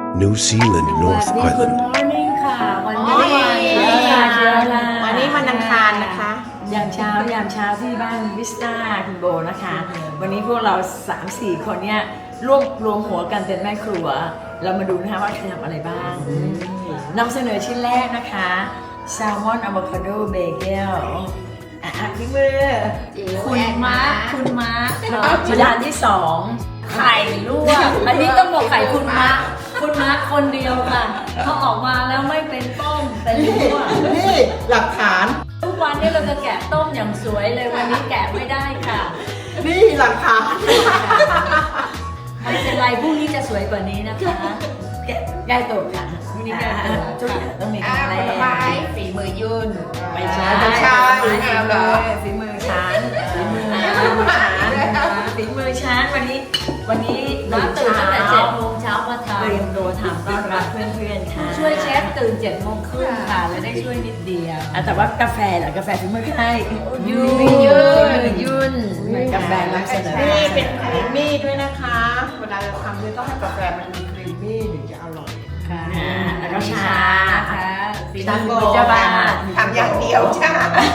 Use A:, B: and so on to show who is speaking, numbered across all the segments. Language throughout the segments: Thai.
A: New Zealand, North
B: สวัสดี
A: Island.
B: Good morning ค่ะ วันนี้
C: วันนี้วันอังคารนะคะ
B: ยามเช้ที่บ้านวิสตาคุณโบนะคะ วันนี้พวกเรา 3-4 คนเนี่ยรวมหัวกันเป็นแม่ครัว เรามาดูนะคะว่าจะทำอะไรบ้างนำเสนอชิ้นแรกนะคะแซลมอนอะโวคาโดเบเกลพี่มือคุณมาร์คชิ้นที่สองไข่ลวกอันนี้ต้องบอกไข่คุณมาร์คคนเดียวค่ะเขาออกมาแล้วไม่เป็นต้มเป็นลวก
C: นี่หลักฐาน
B: ทุกวันนี้เราจะแกะต้มอย่างสวยเลยวันนี้แกะไม่ได้ค่ะ
C: นี่หลักฐาน
B: ไม่เป็นไรพรุ่งนี้จะสวยกว่านี้นะคะแกะได้ตัวค่ะพรุ่งนี้แกะตัวทุกอย่างต้องมีของแร
C: ผลไม้
B: ก
C: ฝีมือยุ่น
B: ไม่ใช่
C: ไม่ใช่
B: ฝีมื
C: เอาเหรอ
B: ฝีมือฉันฝีมือฉันวันนี้ตื่นตั้งแต่7 โมงเช้ามาทำเตรียมตัวทำต้อนรับเพื่อนๆค่ะช่วยเชฟตื่น7 โมงครึ่งค่ะแล้วได้ช่วยนิดเดียวแต่ว่ากาแฟเหรอกาแฟฝีมือใครยุ่นกาแฟนำเสนอ
C: นี่เป็นครีมมี่ด้วยนะคะ เวลาเราทำเนี่ยต้องให้กาแฟมันมีครีมมี่ถึงจะอร่อย
B: ค่ะแล้วก็ชาค่ะ
C: ตังโกเจ้าบ้านทำอย่างเดียวจ้า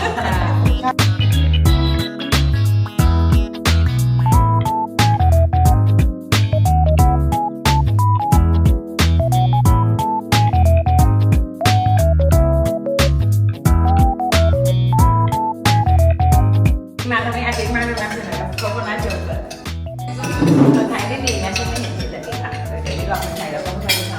B: มาตรงนี้อาทิตย์มาดูน้ำเสนอกับโคโคนัทโยเกิร์ตคนไทยได้ดีนะฉันไม่เห็นมีแต่ที่ค่ะเดี๋ยวนี้เราคนไทยเราต้องใช้เขา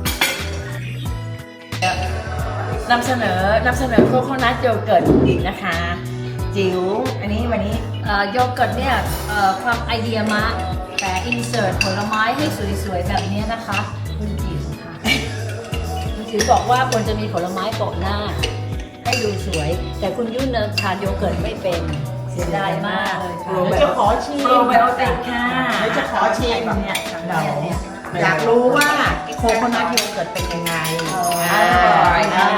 B: นำเสนอโคโคนัทโยเกิร์ตอีกนะคะจิ๋วอันนี้วันนี้
D: โยเกิร์ตเนี่ยความไอเดียมาแต่อินเสิร์ตผลไม้ให้สวยๆแบบนี้นะคะคุณจิ๋วค่ะคุณจิ๋วบอกว่าควรจะมีผลไม้โปะหน้า ให้ดูสวย แต่คุณยุ่นเนยทานโยเกิร์ตไม่เป็นเสียดายมากเลยค่ะ
C: เดี๋ยวจะขอชิม
B: โปรไบโอติกค่ะ
C: เดี๋ยวจะขอชิม
B: เนี่ยเรา
C: อยากรู้ว่าโคโคนัทโยเกิร์ตเป็นยังไง
B: อร่อยนะ